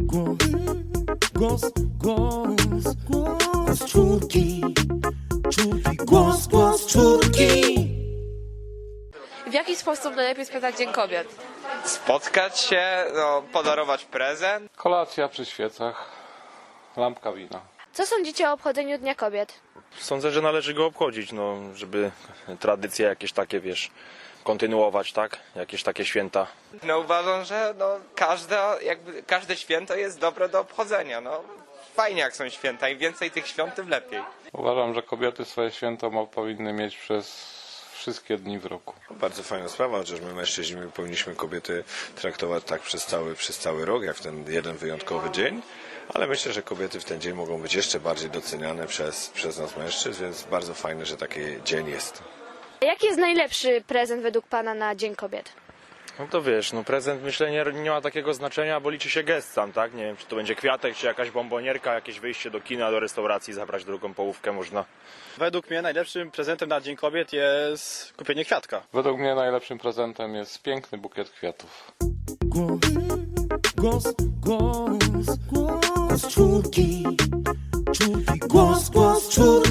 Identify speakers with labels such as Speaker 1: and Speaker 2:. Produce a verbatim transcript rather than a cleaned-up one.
Speaker 1: Głos, głos, głos czwórki, czwórki, głos, głos czwórki.
Speaker 2: W jaki sposób najlepiej spędzać Dzień Kobiet?
Speaker 3: Spotkać się, no, podarować prezent.
Speaker 4: Kolacja przy świecach, lampka wina.
Speaker 5: Co sądzicie o obchodzeniu Dnia Kobiet?
Speaker 6: Sądzę, że należy go obchodzić, no, żeby tradycje jakieś takie, wiesz, kontynuować, tak? Jakieś takie święta.
Speaker 3: No uważam, że no, każde, jakby, każde święto jest dobre do obchodzenia. No. Fajnie jak są święta, im więcej tych świąt, tym lepiej.
Speaker 4: Uważam, że kobiety swoje święto mo- powinny mieć przez wszystkie dni w roku.
Speaker 7: Bardzo fajna sprawa, chociaż my mężczyźni powinniśmy kobiety traktować tak przez cały, przez cały rok, jak w ten jeden wyjątkowy dzień, ale myślę, że kobiety w ten dzień mogą być jeszcze bardziej doceniane przez, przez nas mężczyzn, więc bardzo fajne, że taki dzień jest.
Speaker 5: Jaki jest najlepszy prezent według Pana na Dzień Kobiet?
Speaker 6: No to wiesz, no prezent myślę nie, nie ma takiego znaczenia, bo liczy się gest sam, tak? Nie wiem, czy to będzie kwiatek, czy jakaś bombonierka, jakieś wyjście do kina, do restauracji, zabrać drugą połówkę można.
Speaker 8: Według mnie najlepszym prezentem na Dzień Kobiet jest kupienie kwiatka.
Speaker 4: Według mnie najlepszym prezentem jest piękny bukiet kwiatów.
Speaker 1: Głos, głos, głos, głos czwórki, czwórki, głos, głos czwórki.